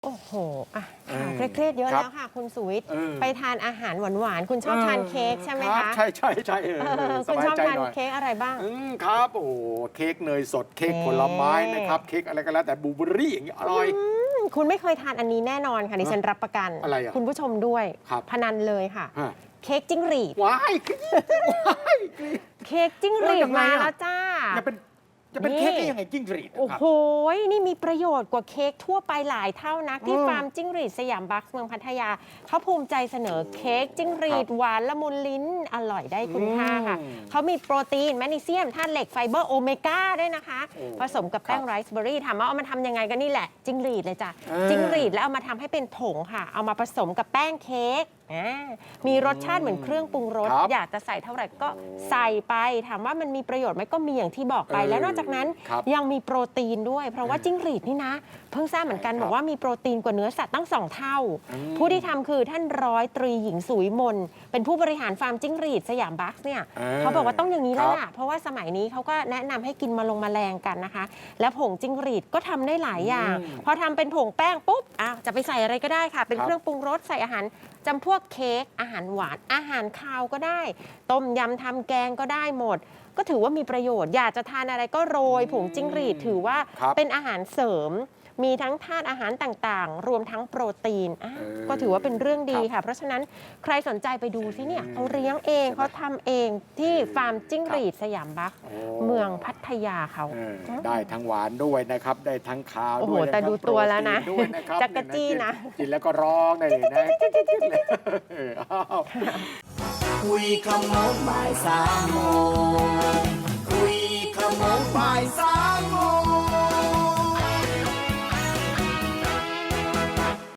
โอ้โหอ่ะค่ะเครียดเยอะแล้วค่ะคุณสุวิทย์ไปทานอาหารหวานๆคุณชอบทานเค้กใช่ไหมคะใช่ใช่ใช่คุณชอบทานเค้กอะไรบ้างครับโอ้เค้กเนยสดเค้กผลไม้นะครับเค้กอะไรก็แล้วแต่บลูเบอร์รี่อย่างนี้อร่อยคุณไม่เคยทานอันนี้แน่นอนค่ะดิฉันรับประกันอะไรอ่ะคุณผู้ชมด้วยพนันเลยค่ะเค้กจิ้งหรีดว้ายเค้กจิ้งหรีดมาแล้วจ้าจะเป็นเค้กได้ยังไงจิ้งหรีดโอ้โหนี่มีประโยชน์กว่าเค้กทั่วไปหลายเท่านักที่ฟาร์มจิ้งหรีดสยามบัคเมืองพัทยาเขาภูมิใจเสนอเค้กจิ้งหรีดหวานละมุนลิ้นอร่อยได้คุณค่าค่ะเขามีโปรตีนแมกนีเซียมธาตุเหล็กไฟเบอร์โอเมก้าด้วยนะคะผสมกับแป้งไรซ์เบอร์รี่ถามว่าเอามาทำยังไงกันนี่แหละจิ้งหรีดเลยจ้ะจิ้งหรีดแล้วเอามาทำให้เป็นผงค่ะเอามาผสมกับแป้งเค้กมีรสชาติเหมือนเครื่องปรุงรสอยากจะใส่เท่าไหร่ก็ใส่ไปถามว่ามันมีประโยชน์ไหมก็มีอย่างที่บอกไปแล้วนอกจากนั้นยังมีโปรตีนด้วยเพราะว่าจิ้งหรีดนี่นะเพิ่งทราบเหมือนกันบอกว่ามีโปรตีนกว่าเนื้อสัตว์ตั้ง2 เท่าผู้ที่ทำคือท่านร้อยตรีหญิงสุวิมลเป็นผู้บริหารฟาร์มจิ้งหรีดสยามบัคเนี่ยเขาบอกว่าต้องอย่างนี้แล้วล่ะเพราะว่าสมัยนี้เขาก็แนะนำให้กินแมลงกันนะคะแล้วผงจิ้งหรีดก็ทำได้หลายอย่างพอทำเป็นผงแป้งปุ๊บจะไปใส่อะไรก็ได้ค่ะเป็นเครื่องปรุงรสใส่อาหารจำพวกเค้กอาหารหวานอาหารคาวก็ได้ต้มยำทำแกงก็ได้หมดก็ถือว่ามีประโยชน์อยากจะทานอะไรก็โรยผงจิ้งหรีดถือว่าเป็นอาหารเสริมมีทั้งธาตุอาหารต่างๆรวมทั้งโปรตีนก็ถือว่าเป็นเรื่องดีค่ะเพราะฉะนั้นใครสนใจไปดูสิเนี่ยเขาเลี้ยงเองเขาทำเองที่ฟาร์มจิ้งหรีดสยามบัคเมืองพัทยาเขาได้ทั้งหวานด้วยนะครับได้ทั้งคาวด้วยโอ้โหแต่ดูตัวแล้วนะจักรจี้นะกินแล้วก็ร้องได้เลยนะคุยขโมงบ่าย3 โมงคุยขโมงบ่าย3